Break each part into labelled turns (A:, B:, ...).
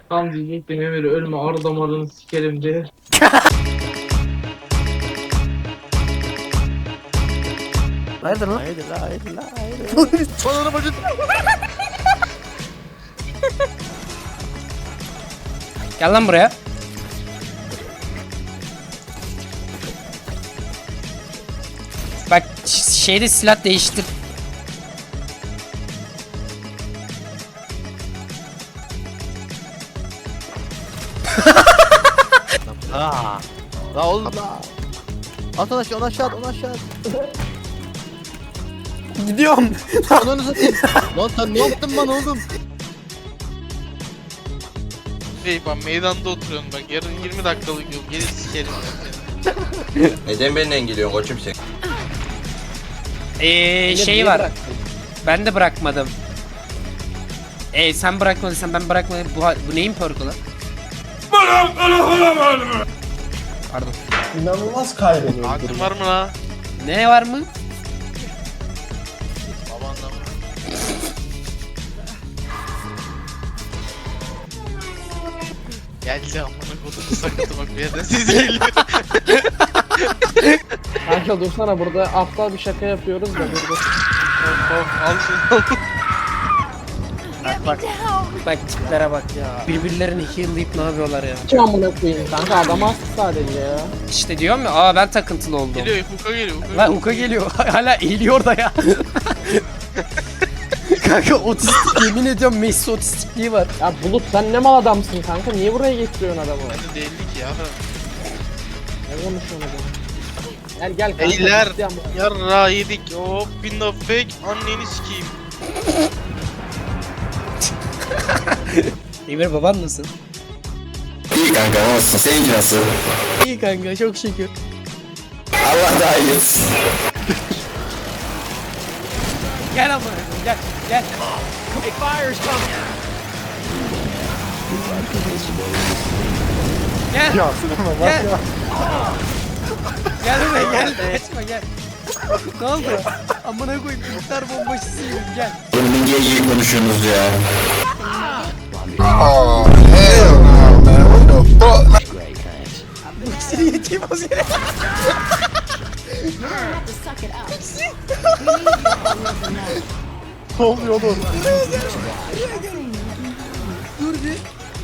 A: Tam diyecektim Emir ölme arı damarını sikerim diye.
B: Hayırdır lan?
C: Haydi la haydi la haydi.
B: Bana bacı.
C: Gel lan buraya. Bak şeyde silah değiştir.
B: Aa. La oğlum la. At onu aşağı, onu aşağı, onu aşağı.
C: Gidiyorum.
B: Onu satayım. Lan sen ne yaptın bana oğlum?
D: Bey bak meydanda oturuyorsun bak yarın 20 dakikalık yol gelir sikerim.
E: Neden beni engelliyorsun koçum sen?
C: Şey var. Ben de bırakmadım. Sen bırakmadıysan ben bırakmadım. Bu neyin perk'ü lan? Pardon.
F: İnanılmaz kaybediyor.
D: Aklın var mı la?
C: Ne var mı?
D: Babanla mı? Geldi amına kodumu sakatı bak bir yerden ses geliyor.
A: Kanka dursana burada aptal bir şaka yapıyoruz da burada.
D: Al şunu al.
C: Bak tiplere bak ya. Birbirlerini heal'layıp ne yapıyorlar ya?
A: Kim amına koyayım kanka adam astı sadece ya.
C: İşte diyorum ya ben takıntılı oldum.
D: Geliyor Huka geliyor Huka.
C: Lan Huka geliyor. Hala eğiliyor da ya. Kanka otistik yemin ediyorum Messi otistikliği var.
A: Ya Bulut sen ne mal adamsın kanka niye buraya getiriyorsun adamı?
D: Ben de değildik ya.
A: Ne konuşuyorsun adamı? Gel gel kanka.
D: Beyler
A: ciddi ama.
D: yarra yedik hop window fake anneni sikeyim.
C: Emir baban nasıl?
E: İyi kanka nasılsın? Seninki nasıl?
C: İyi kanka çok şükür.
E: Allah daha iyi etsin.
C: Gel ama gel gel. Gel.
F: Ya sinema bak
C: Gel.
F: ya.
C: Gel buraya gel. Kaçma gel. Ne oldu? Amına koyayım kurtlar bombacısıyım gel.
E: Oğlum niye iyi konuşuyorsunuz ya?
C: Seni yeteyim az yere.
F: Ne oluyor oğlum?
C: Dur bir.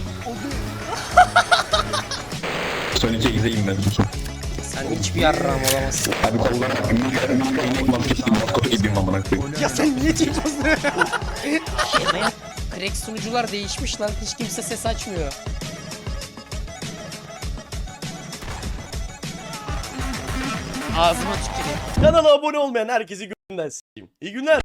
E: Son 8'deyim ben.
C: Sen hiçbir yarram olamazsın.
E: Abi kollarım inek maskesi maskot gibiyim amına koyayım.
C: Ya sen niye çekiyorsun? Crack sunucular değişmiş lan. Hiç kimse ses açmıyor. Ağzıma tüküreyim.
G: Kanala abone olmayan herkesi gönden s**eyim. İyi günler.